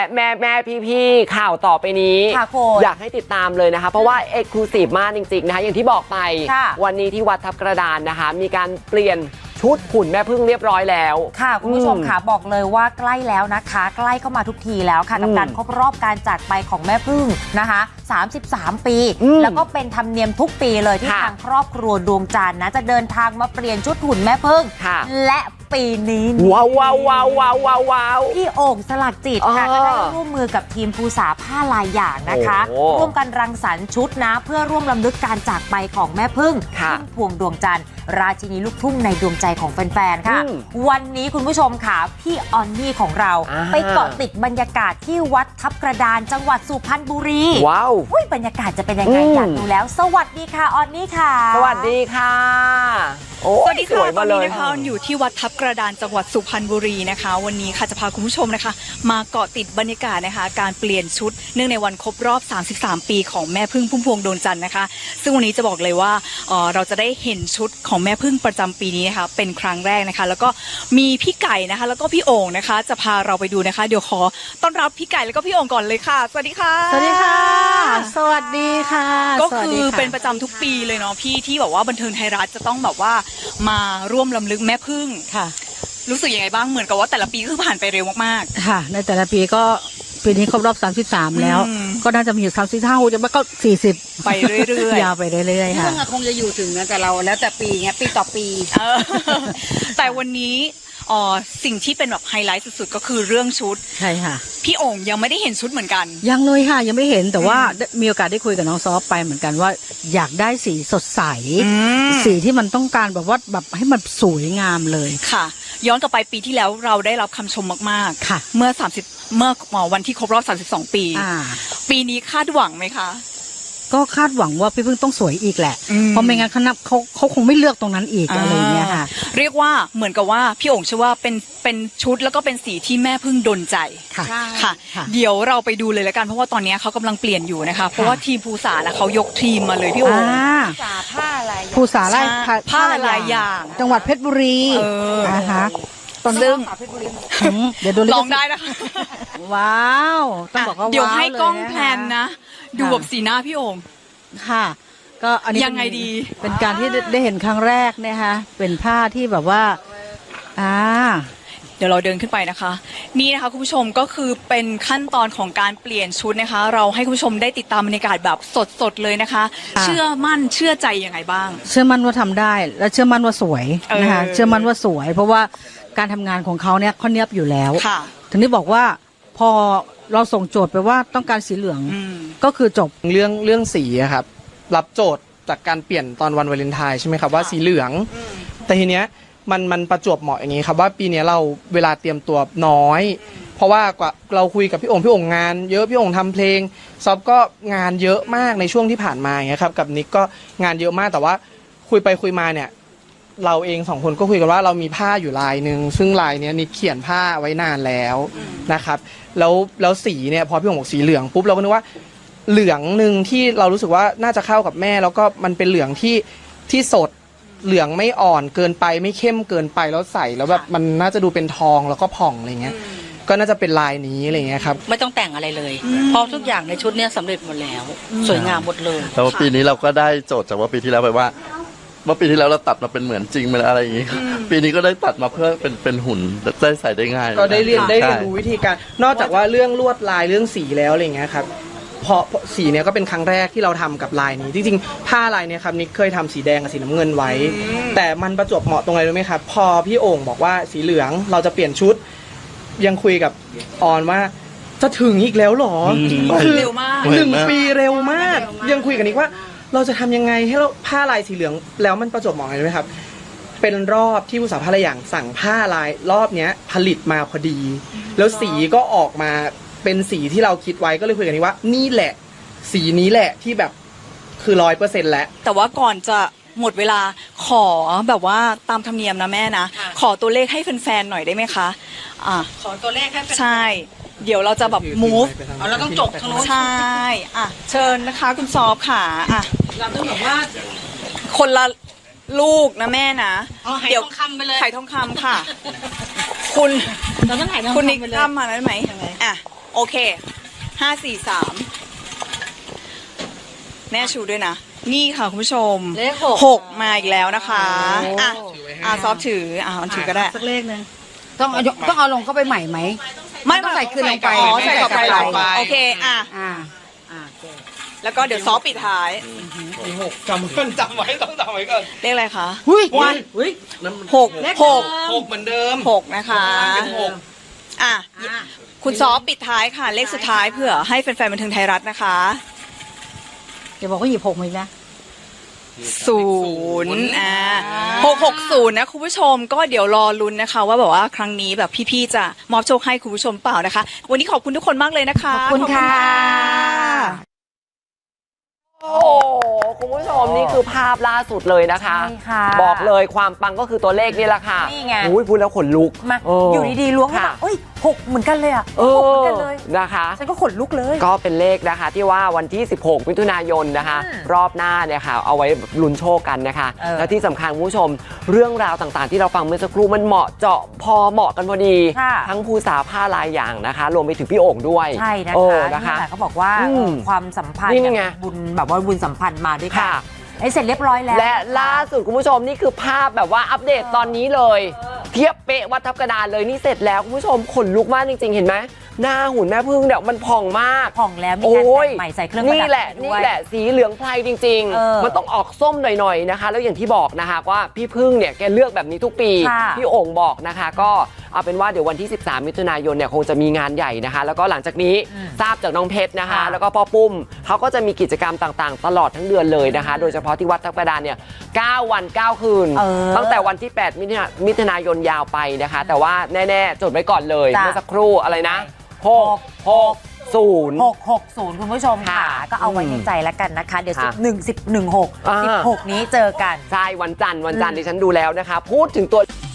แม่พี่ข่าวต่อไปนี้อยากให้ติดตามเลยนะคะเพราะว่าเอ็กซ์คลูซีฟมากจริงๆนะคะอย่างที่บอกไปวันนี้ที่วัดทับกระดานนะคะมีการเปลี่ยนชุดหุ่นแม่พึ่งเรียบร้อยแล้วค่ะคุณผู้ชมค่ะบอกเลยว่าใกล้แล้วนะคะใกล้เข้ามาทุกทีแล้วค่ะกับการครบรอบการจากไปของแม่พึ่งนะคะ33 ปีแล้วก็เป็นธรรมเนียมทุกปีเลยที่ทางครอบครัวดวงจันทร์นะจะเดินทางมาเปลี่ยนชุดหุ่นแม่พึ่งและปีนี้ว้าวพี่โอ่งสลักจิตค่ะก็ได้ร่วมมือกับทีมภูษาผ้าลายอย่างนะคะร่วมกันรังสรรค์ชุดนะเพื่อร่วมรำลึกการจากไปของแม่พึ่งพุ่มพวงดวงจันทร์ราชินีลูกทุ่งในดวงใจของแฟนๆค่ะวันนี้คุณผู้ชมค่ะพี่ออนนี่ของเราไปเกาะติดบรรยากาศที่วัดทับกระดานจังหวัดสุพรรณบุรีว้าวบรรยากาศจะเป็นยังไงอยากดูแล้วสวัสดีค่ะออนนี่ค่ะสวัสดีค่ะสวัสดีค่ะตอนนี้นะคะอยู่ที่วัดทับกระดานจังหวัดสุพรรณบุรีนะคะวันนี้ค่ะจะพาคุณผู้ชมนะคะมาเกาะติดบรรยากาศนะคะการเปลี่ยนชุดเนื่องในวันครบรอบ33 ปีของแม่พึ่งพุ่มพวงดวงจันทร์นะคะซึ่งวันนี้จะบอกเลยว่าเราจะได้เห็นชุดของแม่พึ่งประจำปีนี้นะคะเป็นครั้งแรกนะคะแล้วก็มีพี่ไก่นะคะแล้วก็พี่โอ่งนะคะจะพาเราไปดูนะคะเดี๋ยวขอต้อนรับพี่ไก่แล้วก็พี่โอ่งก่อนเลยค่ะสวัสดีค่ะสวัสดีค่ะสวัสดีค่ะก็คือเป็นประจำทุกปีเลยเนาะพี่ที่แบบว่าบันเทิงไทยรัฐจะต้องแบบว่ามาร่วมรำลึกแม่พึ่งค่ะรู้สึกยังไงบ้างเหมือนกับว่าแต่ละปีก็ผ่านไปเร็วมากๆค่ะในแต่ละปีก็ปีนี้ครบรอบ33แล้วก็น่าจะมีอยู่35จะไม่ก็40 ไปเรื่อยๆยาวไปเรื่อยๆค่ะคงจะอยู่ถึงนะแต่เราแล้วแต่ปีไงปีต่อปีแต่วันนี้สิ่งที่เป็นแบบไฮไลท์สุดๆก็คือเรื่องชุดใช่ค่ะพี่โอ่งยังไม่ได้เห็นชุดเหมือนกันยังเลยค่ะยังไม่เห็นแต่ว่ามีโอกาสได้คุยกับน้องซอฟไปเหมือนกันว่าอยากได้สีสดใสสีที่มันต้องการแบบว่าแบบให้มันสวยงามเลยค่ะย้อนกลับไปปีที่แล้วเราได้รับคำชมมากๆค่ะเมื่อวันที่ครบรอบ32 ปีปีนี้คาดหวังไหมคะก็คาดหวังว่าพี่พึ่งต้องสวยอีกแหละเพราะไม่งั้นเขาคงไม่เลือกตรงนั้นอีกอะไรเงี้ยค่ะเรียกว่าเหมือนกับว่าพี่โอ่งเชื่อว่าเป็นชุดแล้วก็เป็นสีที่แม่พึ่งดลใจค่ะเดี๋ยวเราไปดูเลยแล้วกันเพราะว่าตอนนี้เขากำลังเปลี่ยนอยู่นะคะเพราะว่าทีมภูษานะเขายกทีมมาเลยพี่โอ่งผ้าอะไรภูษาไล่ผ้าลายอย่างจังหวัดเพชรบุรีนะคะซึ่งเดี๋ยวดูลองได้นะคะว้าวต้องบอกว่าเดี๋ยวให้กล้องแพลนนะดูแบบสีหน้าพี่โอ่งค่ะก็อันนี้ยังไงดีเป็นการที่ได้เห็นครั้งแรกนะคะเป็นผ้าที่แบบว่าเดี๋ยวเราเดินขึ้นไปนะคะนี่นะคะคุณผู้ชมก็คือเป็นขั้นตอนของการเปลี่ยนชุดนะคะเราให้คุณผู้ชมได้ติดตามบรรยากาศแบบสดๆเลยนะคะเชื่อมั่นเชื่อใจยังไงบ้างเชื่อมั่นว่าทำได้และเชื่อมั่นว่าสวยนะคะเชื่อมั่นว่าสวยเพราะว่าการทำงานของเขาเนี่ยเขาเนียบอยู่แล้วถึงได้บอกว่าพอเราส่งโจทย์ไปว่าต้องการสีเหลืองก็คือจบเรื่องสีครับรับโจทย์จากการเปลี่ยนตอนวันวาเลนไทน์ใช่ไหมครับว่าสีเหลืองแต่ทีเนี้ยมันประจวบเหมาะอย่างนี้ครับว่าปีนี้เราเวลาเตรียมตัวน้อยเพราะว่ากว่าเราคุยกับพี่โอ่งงานเยอะพี่โอ่งทำเพลงซอฟก็งานเยอะมากในช่วงที่ผ่านมาอย่างเงี้ยครับกับนิกก็งานเยอะมากแต่ว่าคุยไปคุยมาเนี่ยเราเอง2 คนก็คุยกันว่าเรามีผ้าอยู่ลายนึงซึ่งลายเนี้ยนิกเขียนผ้าไว้นานแล้วนะครับแล้วสีเนี่ยพอพี่โอ่งบอกสีเหลืองปุ๊บเราก็นึกว่าเหลืองหนึ่งที่เรารู้สึกว่าน่าจะเข้ากับแม่แล้วก็มันเป็นเหลืองที่สดเหลืองไม่อ่อนเกินไปไม่เข้มเกินไปแล้วใส่แล้วแบบมันน่าจะดูเป็นทองแล้วก็ผ่องอะไรเงี้ยก็น่าจะเป็นลายนี้อะไรเงี้ยครับไม่ต้องแต่งอะไรเลยเพราะทุกอย่างในชุดนี้สำเร็จหมดแล้วสวยงามหมดเลยแล้วปีนี้เราก็ได้โจทย์จากว่าปีที่แล้วไปว่าเมื่อปีที่แล้วเราตัดมาเป็นเหมือนจริงเป็นอะไรอย่างงี้ปีนี้ก็ได้ตัดมาเพื่อเป็นหุ่นได้ใส่ได้ง่ายก็ได้เรียนรู้วิธีการนอกจากว่าเรื่องลวดลายเรื่องสีแล้วอะไรเงี้ยครับพอสีเนี้ยก็เป็นครั้งแรกที่เราทำกับลายนี้จริงๆผ้าลายเนี้ยครับนิกเคยทำสีแดงกับสีน้ำเงินไว้แต่มันประจวบเหมาะตรงไหนรู้ไหมครับพอพี่โอ่งบอกว่าสีเหลืองเราจะเปลี่ยนชุดยังคุยกับออนว่าจะถึงอีกแล้วหรอเร็วมาก 1 ปีเร็วมากยังคุยกับนิกว่าเราจะทำยังไงให้เราผ้าลายสีเหลืองแล้วมันประจวบเหมาะกันไหมครับเป็นรอบที่ผู้สาวผ้าลายอย่างสั่งผ้าลายรอบเนี้ยผลิตมาพอดีแล้วสีก็ออกมาเป็นสีที่เราคิดไว้ก็เลยคุยกันนี้ว่านี่แหละสีนี้แหละที่แบบคือ100%แล้วแต่ว่าก่อนจะหมดเวลาขอแบบว่าตามธรรมเนียมนะแม่นะขอตัวเลขให้แฟนๆหน่อยได้ไหมคะขอตัวเลขให้แฟนใช่เดี๋ยวเราจะแบบ move เราต้องจบทางโน้นใช่เชิญนะคะคุณซอฟค่ะเราต้องบอกว่าคนละลูกนะแม่นะเดี๋ยวทองคำไปเลยไข่ทองคำค่ะคุณเราต้องไข่ทองคำคุณนิกทำมาได้ไหมโอเค5 4 3แน่ชูด้วยนะนี่ค่ะคุณผู้ชมเลข 6มาอีกแล้วนะคะซอฟถือมันถือก็ได้สักเลขหนึ่งต้องเอาลงเข้าไปใหม่ไหมไม่ต้องใส่คืนลงไปอ๋อใส่กลับไปใส่กลับไปโอเคแล้วก็เดี๋ยวซอฟปิดท้ายมีหกจำไว้ต้องจำไว้ก่อนเลขอะไรคะวันหกหกเหมือนเดิม 6นะคะเป็นหกคุณซอฟปิดท้ายค่ะ เลขสุดท้ายเพื่อให้แฟนๆบันเทิงไทยรัฐนะคะเดี๋ยวบอกว่าหยิบ6มาอีกนะ 0660นะคุณผู้ชมก็เดี๋ยวรอลุ้นนะคะว่าแบบว่าครั้งนี้แบบพี่ๆจะมอบโชคให้คุณผู้ชมเปล่านะคะ วันนี้ขอบคุณทุกคนมากเลยนะคะขอบคุณค่ะโอ้โหคุณผู้ชมนี่คือภาพล่าสุดเลยนะคะใช่ค่ะบอกเลยความปังก็คือตัวเลขนี่แหละค่ะนี่ไงอุ้ยพูดแล้วขนลุกมาเอออยู่ดีๆล้วงขึ้นค่ะมาเอ้ย6เหมือนกันเลยอ่ะเอ 6เหมือนอกันเลยนะคะฉันก็ขนลุกเลยก็เป็นเลขนะคะที่ว่าวันที่ 16 มิถุนายนนะคะ รอบหน้าเนี่ยค่ะเอาไว้ลุ้นโชคกันนะคะ แล้วที่สำคัญคุณผู้ชมเรื่องราวต่างๆ ที่เราฟังเมื่อสักครู่มันเหมาะเจาะพอเหมาะกันพอดีค่ะทั้งภูษาผ้าลายอย่างนะคะ รวมไปถึงพี่โอ่งด้วยใช่นะโอ้คะนะคะนี่แหละเขาบอกว่า ความสัมพันธ์นี่ไงบุญแบบว่าบุญสัมพันธ์มาด้วยกันค่ะไอ้เสร็จเรียบร้อยแล้วและล่าสุดคุณผู้ชมนี่คือภาพแบบว่าอัปเดตตอนนี้เลย เทียบเป๊ะวัดทับกระดานเลยนี่เสร็จแล้วคุณผู้ชมขนลุกมากจริงๆเห็นไหมหน้าหุ่นแม่พึ่งเนี่ยมันผ่องมากผ่องแล้วมีการแต่งใหม่ใส่เครื่องประดับนี่แหละด้นี่วยแหละสีเหลืองไพรจริงเออมันต้องออกส้มหน่อยๆนะคะ แล้วอย่างที่บอกนะคะว่าพี่พึ่งเนี่ยแกเลือกแบบนี้ทุกปีค่ะพี่โอ่งบอกนะคะ ก็เอาเป็นว่าเดี๋ยววันที่ 13 มิถุนายนเนี่ยคงจะมีงานใหญ่นะคะ แล้วก็หลังจากนี้ทราบจากน้องเพชรนะคะค่ะแล้วก็พ่อปุ้มเขาก็จะมีกิจกรรมต่างๆ ตลอดทั้งเดือนเลยนะคะ โดยเฉพาะที่วัดทับกระดานเนี่ย9 วัน 9 คืน ตั้งแต่วันที่ 8 มิถุนายนยาวไปนะคะ แต่ว่าแน่ๆจดไว้ก่อนเลยจ้ะเมื่อสักครู่อะไรนะ660 660 คุณผู้ชมค่ะค่ะก็เอาไว้ในใจแล้วกันนะคะ เดี๋ยวค่ะ 11 10 16 16 นี้เจอกันใช่วันจันทร์ดิฉันดูแล้วนะคะ พูดถึงตัว